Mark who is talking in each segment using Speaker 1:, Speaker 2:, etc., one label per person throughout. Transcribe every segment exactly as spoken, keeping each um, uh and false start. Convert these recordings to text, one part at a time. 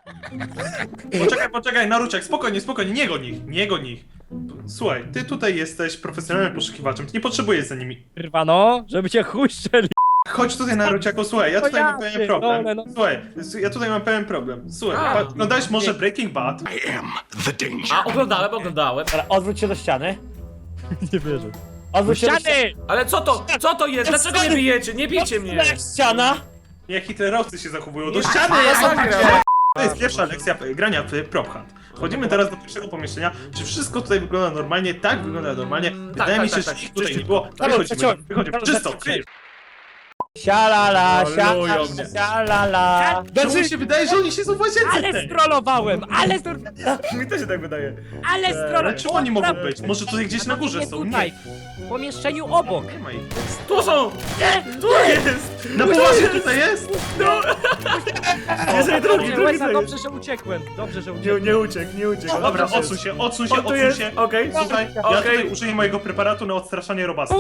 Speaker 1: Poczekaj, poczekaj, Naruciak, spokojnie, spokojnie, nie goń ich, nie goń ich. Słuchaj, ty tutaj jesteś profesjonalnym poszukiwaczem, ty nie potrzebujesz za nimi.
Speaker 2: Kurwa no, żeby cię chuj strzelił.
Speaker 1: Chodź tutaj, Naruciaku, słuchaj, ja
Speaker 2: No
Speaker 1: tutaj
Speaker 2: ja
Speaker 1: mam pewien
Speaker 2: pierdolę,
Speaker 1: problem.
Speaker 2: no.
Speaker 1: Słuchaj, ja tutaj mam pewien problem. Słuchaj,
Speaker 3: A.
Speaker 1: pa- oglądałeś może Breaking Bad?
Speaker 3: A, oglądałem, oglądałem.
Speaker 4: Dobra, odwróć się do ściany.
Speaker 2: Nie wierzę.
Speaker 4: Odwróć się do ściany.
Speaker 2: Ściany!
Speaker 3: Ale co to? Co to jest? Dlaczego mnie bijecie? Nie bijcie mnie!
Speaker 4: Jak ściana?
Speaker 1: Jak hitlerowcy się zachowują, do
Speaker 3: Nie,
Speaker 1: ściany!
Speaker 3: ja
Speaker 1: ja
Speaker 3: zagram.
Speaker 1: To jest pierwsza lekcja grania w Prop Hunt. Wchodzimy teraz do pierwszego pomieszczenia. Czy wszystko tutaj wygląda normalnie? Tak, wygląda normalnie. Wydaje
Speaker 3: tak,
Speaker 1: mi się,
Speaker 3: tak,
Speaker 1: że
Speaker 3: tak.
Speaker 1: ich tutaj nie
Speaker 3: Czyściutko.
Speaker 1: było.
Speaker 4: Karol,
Speaker 1: Wychodzimy,
Speaker 4: przeciąg.
Speaker 1: wychodzimy.
Speaker 4: Karol,
Speaker 1: Czysto,
Speaker 4: przeciąg.
Speaker 1: ty!
Speaker 4: Sialala,
Speaker 3: Malują
Speaker 4: sialala,
Speaker 3: mnie.
Speaker 4: sialala.
Speaker 1: Czemu mi się wydaje, że oni się są w łazience?
Speaker 2: Ale
Speaker 1: tej?
Speaker 2: strollowałem, ale stro...
Speaker 3: Mi też się tak wydaje.
Speaker 2: ale
Speaker 1: Ale
Speaker 2: strollowałem.
Speaker 1: czemu oni mogą być? Może tutaj gdzieś na górze
Speaker 2: Nie
Speaker 1: są?
Speaker 2: tutaj, w pomieszczeniu obok.
Speaker 1: Nie ma ich.
Speaker 3: Tu są! Tu jest!
Speaker 1: Na plaży tutaj jest?
Speaker 3: Jeżeli drugi,
Speaker 2: Dobrze,
Speaker 3: drugi
Speaker 2: Łeza,
Speaker 3: to
Speaker 2: dobrze,
Speaker 3: jest.
Speaker 2: że uciekłem. Dobrze, że
Speaker 3: Nie,
Speaker 2: uciekłem.
Speaker 3: nie uciekł, nie uciekł.
Speaker 1: Dobra,
Speaker 3: Dobrze
Speaker 1: odsuń
Speaker 3: jest.
Speaker 1: się, odsuń się,
Speaker 3: On tu
Speaker 1: odsuń
Speaker 3: jest,
Speaker 1: się.
Speaker 3: okej.
Speaker 1: Słuchaj, ja
Speaker 3: Okej.
Speaker 1: tutaj użyję mojego preparatu na odstraszanie robasa.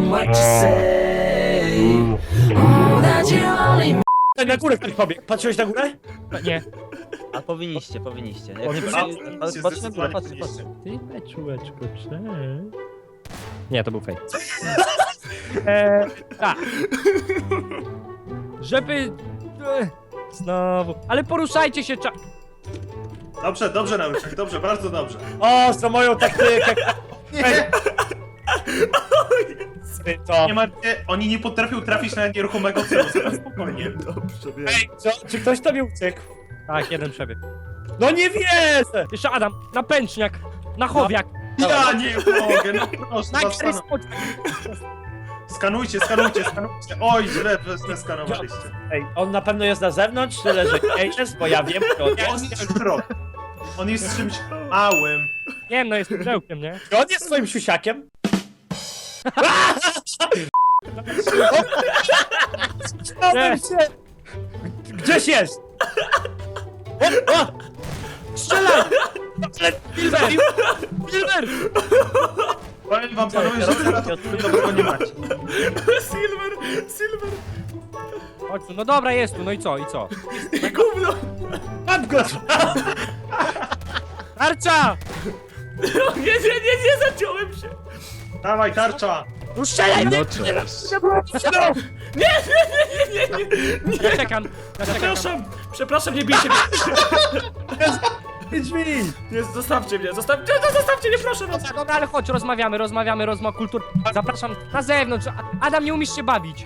Speaker 4: Tak, na górę ktoś pobiegł. Patrzyłeś na górę?
Speaker 2: Nie.
Speaker 5: A powinniście, powinniście.
Speaker 4: O, nie,
Speaker 5: Jak-
Speaker 4: a-
Speaker 5: a-
Speaker 1: powinniście,
Speaker 5: Patrz na górę,
Speaker 1: zdecydowanie
Speaker 5: patrz,
Speaker 1: powinniście.
Speaker 5: patrz.
Speaker 2: Ty, beczułeczko, cześć. Nie, to był fake. Eee, tak. Żeby... e, Znowu. Ale poruszajcie się, cza...
Speaker 1: Dobrze, dobrze, Naruciak, dobrze, bardzo dobrze.
Speaker 4: O, za moją taktykę.
Speaker 1: Nie,
Speaker 4: Ty to.
Speaker 1: nie martwcie, oni nie potrafią trafić na nieruchomego celu, spokojnie.
Speaker 3: Dobrze, wiem.
Speaker 4: Ej, co? Czy ktoś tobie uciekł?
Speaker 2: Tak, jeden przebieg.
Speaker 4: No nie wierzę!
Speaker 2: Jeszcze Adam, na pęczniak, na chowiak.
Speaker 1: Ja nie mogę, no proszę,
Speaker 2: Na
Speaker 1: was,
Speaker 2: Gary
Speaker 1: skanu-
Speaker 2: Scott.
Speaker 1: skanujcie, skanujcie, skanujcie. Oj, źle, źle skanowaliście.
Speaker 4: Ej, on na pewno jest na zewnątrz, tyle że nie jest, bo ja wiem, kto on
Speaker 1: On
Speaker 4: jest.
Speaker 1: jest środ. On jest czymś małym.
Speaker 2: Nie wiem, no jest pudełkiem, nie?
Speaker 4: Czy on jest swoim siusiakiem?
Speaker 2: Nie.
Speaker 4: Gdzieś jest! O, o!
Speaker 2: Strzelaj! Silver! Silver!
Speaker 1: Powiem wam, panowie, że teraz to nic dobrego nie macie.
Speaker 3: Silver, Silver.
Speaker 2: Chodź tu, no dobra, jest tu, no i co, i co?
Speaker 3: Gówno.
Speaker 4: Mam go!
Speaker 2: Tarcza!
Speaker 3: Nie, nie, nie, nie, zaciąłem się.
Speaker 1: Dawaj, tarcza!
Speaker 2: No strzelaj mnie!
Speaker 3: Nie, nie, nie, nie, nie, nie.
Speaker 2: Ja czekam, ja czekam.
Speaker 3: Przepraszam, przepraszam, nie bijcie mnie.
Speaker 4: Drzwi!
Speaker 3: Nie, zostawcie mnie, zostawcie, no, zostawcie mnie, proszę was.
Speaker 2: Dobra, dobra, ale chodź, rozmawiamy, rozmawiamy, rozmowa kultur. Zapraszam na zewnątrz. A- Adam, nie umiesz się bawić.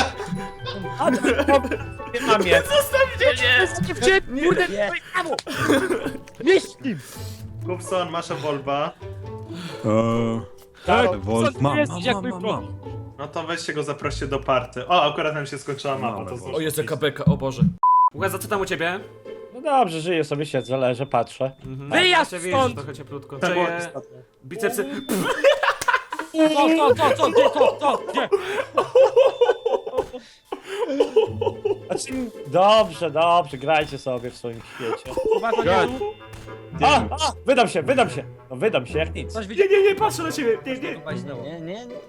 Speaker 4: Nie mam je.
Speaker 3: Zostawcie mnie.
Speaker 2: Dziewczyny, kurde,
Speaker 5: Nie.
Speaker 2: brawo! Mieści!
Speaker 1: Kupson, masz Wolba.
Speaker 6: Eee,
Speaker 4: Tak,
Speaker 6: Wolf,
Speaker 2: Co
Speaker 6: mam,
Speaker 2: jest,
Speaker 6: mam,
Speaker 2: jak
Speaker 6: mam,
Speaker 2: mój
Speaker 6: mam,
Speaker 2: problem?
Speaker 6: mam.
Speaker 1: No to weźcie go, zaproście do party. O, akurat nam się skończyła mapa, to
Speaker 6: Mamy
Speaker 1: znowu.
Speaker 3: O, jest jaka beka, o Boże. Łeza, co tam u ciebie?
Speaker 4: No dobrze, żyję sobie, siedzę, leżę, patrzę.
Speaker 3: Mhm.
Speaker 2: Wyjazd
Speaker 3: Ja się widzę,
Speaker 2: stąd!
Speaker 3: trochę cieplutko.
Speaker 1: To było
Speaker 3: Czeje,
Speaker 1: istotne.
Speaker 3: bicepsy.
Speaker 2: Co, co, co, co, gdzie, co, co, gdzie?
Speaker 4: Znaczy, dobrze, dobrze, grajcie sobie w swoim świecie.
Speaker 2: Chyba to nie tu.
Speaker 4: A, a, wydam się, wydam się. No wydam się jak nic.
Speaker 2: Coś widziałem.
Speaker 3: Nie, nie, nie, patrzę na ciebie, nie, nie.
Speaker 5: Nie, nie, nie.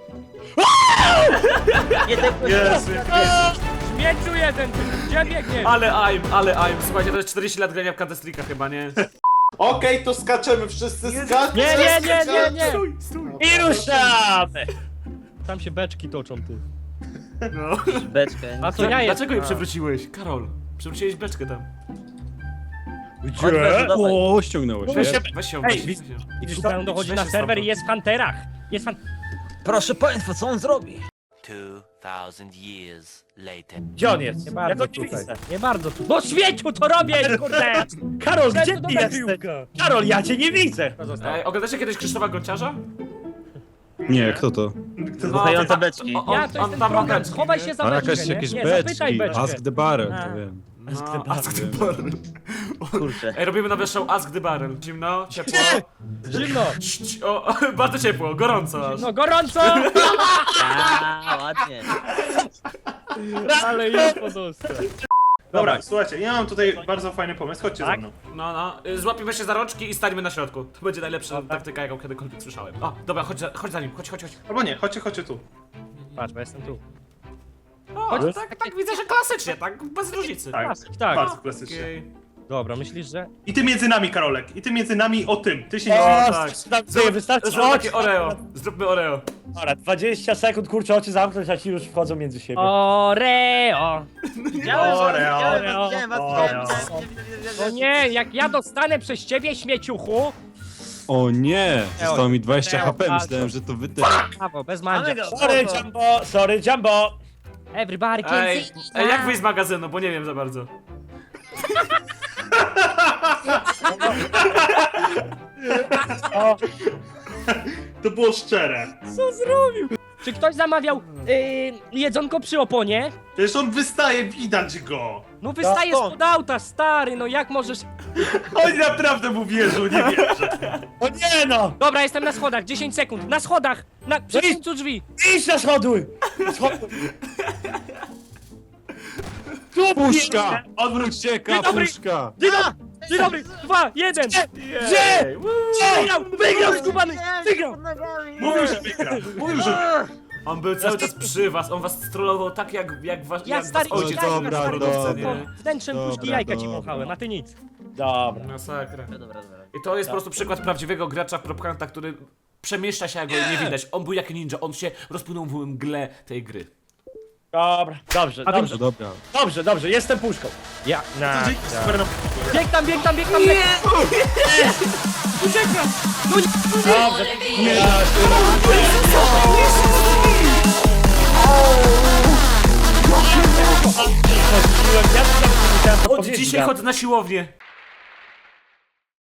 Speaker 5: Nie, tak
Speaker 1: Jezu,
Speaker 2: Śmieciu jeden, ty, gdzie biegniesz?
Speaker 3: Ale aim, ale aim. Słuchajcie, to jest czterdzieści lat grania w Counter-Strike'a chyba, nie?
Speaker 1: Okej, to skaczemy wszyscy, skaczemy!
Speaker 2: Nie, nie, nie, nie, nie!
Speaker 3: Stój, stój.
Speaker 4: I ruszamy!
Speaker 2: Tam się beczki toczą, ty.
Speaker 3: No.
Speaker 5: beczkę.
Speaker 2: A to ja jestem.
Speaker 3: Dlaczego jej przewróciłeś? Karol, przewróciłeś beczkę tam.
Speaker 5: Chodź, Bezu, dawaj.
Speaker 6: O, ściągnęło się.
Speaker 3: Weź, weź się,
Speaker 4: Ej,
Speaker 3: weź się.
Speaker 4: widzisz-
Speaker 3: weź się.
Speaker 4: Widzisz to?
Speaker 2: Szukałem, dochodzi
Speaker 3: Weź
Speaker 2: na
Speaker 3: się
Speaker 2: serwer i
Speaker 3: stamtąd.
Speaker 2: jest w Hunterach. Jest fan...
Speaker 5: Proszę państwa, co on zrobi?
Speaker 7: Two thousand years later.
Speaker 4: Gdzie on jest?
Speaker 2: Nie
Speaker 4: Ja
Speaker 2: bardzo
Speaker 4: go nie
Speaker 2: tutaj.
Speaker 4: widzę.
Speaker 2: Nie bardzo tu. No świeciu to robię, kurde!
Speaker 4: Karol, gdzie
Speaker 2: to
Speaker 4: ty
Speaker 2: dobra
Speaker 4: jesteś?
Speaker 2: piłka.
Speaker 4: Karol, ja cię nie widzę!
Speaker 2: To zostało.
Speaker 3: Ej, oglądacie kiedyś Krzysztofa Gonciarza?
Speaker 6: Nie, kto to?
Speaker 5: Słuchające beczki.
Speaker 3: O,
Speaker 2: Ja,
Speaker 3: on,
Speaker 2: to
Speaker 3: on
Speaker 2: jest ten
Speaker 3: tam ma
Speaker 2: program,
Speaker 3: beczki,
Speaker 2: schowaj
Speaker 3: nie?
Speaker 2: się za
Speaker 6: A
Speaker 2: beczkę,
Speaker 6: jakaś
Speaker 2: nie?
Speaker 6: jakieś
Speaker 2: Nie, zapytaj
Speaker 6: beczki.
Speaker 2: beczkę.
Speaker 6: Ask the Barrel,
Speaker 2: A.
Speaker 6: to wiem.
Speaker 3: No, Ask the Barrel.
Speaker 5: Kurczę.
Speaker 3: Ej, robimy nowy show Ask the Barrel. Zimno, ciepło.
Speaker 2: Zimno,
Speaker 3: Cii, cii, O, o, bardzo ciepło, gorąco aż.
Speaker 2: no gorąco!
Speaker 5: A, ładnie.
Speaker 2: Ale już podostał.
Speaker 1: Dobra, słuchajcie, ja mam tutaj bardzo fajny pomysł, chodźcie
Speaker 2: Tak?
Speaker 1: za mną.
Speaker 3: No, no. Y, Złapiemy się za rączki i stańmy na środku. To będzie najlepsza taktyka, jaką kiedykolwiek słyszałem. O, dobra, chodź za, chodź za nim, chodź, chodź, chodź.
Speaker 1: Albo nie, chodźcie, chodźcie tu.
Speaker 2: Patrz, bo jestem tu.
Speaker 3: O, tak, tak, widzę, że klasycznie, tak, bez różnicy.
Speaker 1: Tak,
Speaker 2: Klasyk, tak.
Speaker 1: bardzo klasycznie.
Speaker 3: Okej.
Speaker 2: Dobra, myślisz, że...
Speaker 1: I ty między nami, Karolek. I ty między nami o tym. Ty się nie...
Speaker 4: O,
Speaker 3: tak.
Speaker 4: tak. Wystarczy,
Speaker 3: Zrób
Speaker 4: chodź.
Speaker 3: takie Oreo. Zróbmy Oreo.
Speaker 4: Dobra, dwadzieścia sekund, kurczę, oczy zamknąć, a ci już wchodzą między siebie.
Speaker 2: Oreo!
Speaker 5: Widziałem, że-
Speaker 1: Oreo.
Speaker 5: widziałem was, widziałem was,
Speaker 1: Oreo.
Speaker 5: widziałem, widziałem, widziałem, widziałem,
Speaker 2: O nie, jak ja dostanę przez ciebie, śmieciuchu!
Speaker 6: O nie! Zostało mi dwadzieścia
Speaker 2: Eo,
Speaker 6: H P,
Speaker 2: tak.
Speaker 6: myślałem, że to wy też.
Speaker 2: Brawo, bez
Speaker 5: Mamy
Speaker 2: mandzia.
Speaker 5: go.
Speaker 4: Sorry, Jumbo, sorry, Jumbo.
Speaker 2: Everybody can
Speaker 3: Ej,
Speaker 2: see.
Speaker 3: ej, jak wyjść z magazynu, bo nie wiem za bardzo.
Speaker 4: O,
Speaker 1: To było szczere.
Speaker 2: Co zrobił? Czy ktoś zamawiał yy, jedzonko przy oponie?
Speaker 1: Przecież on wystaje, widać go.
Speaker 2: No wystaje
Speaker 5: No,
Speaker 2: spod auta, stary, no jak możesz...
Speaker 1: Oni naprawdę mu wierzą, nie wierzę.
Speaker 4: o nie no!
Speaker 2: Dobra, jestem na schodach, dziesięć sekund, na schodach! Na, przy
Speaker 4: No i-
Speaker 2: końcu drzwi!
Speaker 4: Idź na schody! Schody.
Speaker 6: Puszka!
Speaker 1: Odwróć.
Speaker 6: Ucieka,
Speaker 2: Dzień dobry.
Speaker 6: puszka!
Speaker 2: Dzień dobry, dzień dobry, dwa, jeden!
Speaker 4: Gdzie?
Speaker 2: Wygrał, wygrał, skubany, wygrał!
Speaker 1: Mówił, że wygra. Mówił, że...
Speaker 3: On był cały czas przy was, on was strollował tak jak, jak, was,
Speaker 2: Ja
Speaker 3: jak
Speaker 2: stary,
Speaker 3: was ojciec.
Speaker 6: Dobra,
Speaker 2: jajka, stary,
Speaker 6: dobra.
Speaker 2: to wnętrzem
Speaker 6: Dobra,
Speaker 2: puszki jajka ci
Speaker 6: dobra.
Speaker 2: mąchałem, a ty nic.
Speaker 4: Dobra.
Speaker 3: Masakra.
Speaker 5: Dobra, dobra.
Speaker 3: I to jest po prostu przykład prawdziwego gracza w propkanta, który przemieszcza się, jak go nie widać. On był jak ninja, on się rozpłynął w mgle tej gry.
Speaker 4: Dobra, dobrze,
Speaker 2: A
Speaker 4: dobrze,
Speaker 6: No dobra.
Speaker 4: dobrze, dobrze, jestem puszką.
Speaker 2: Ja, na,
Speaker 1: Dzięki, super na...
Speaker 2: bieg tam, bieg tam, bieg tam, bieg tam! Uciekam! No nie!
Speaker 4: Dobrze. Nie da
Speaker 3: Od dzisiaj chodzę na siłownię.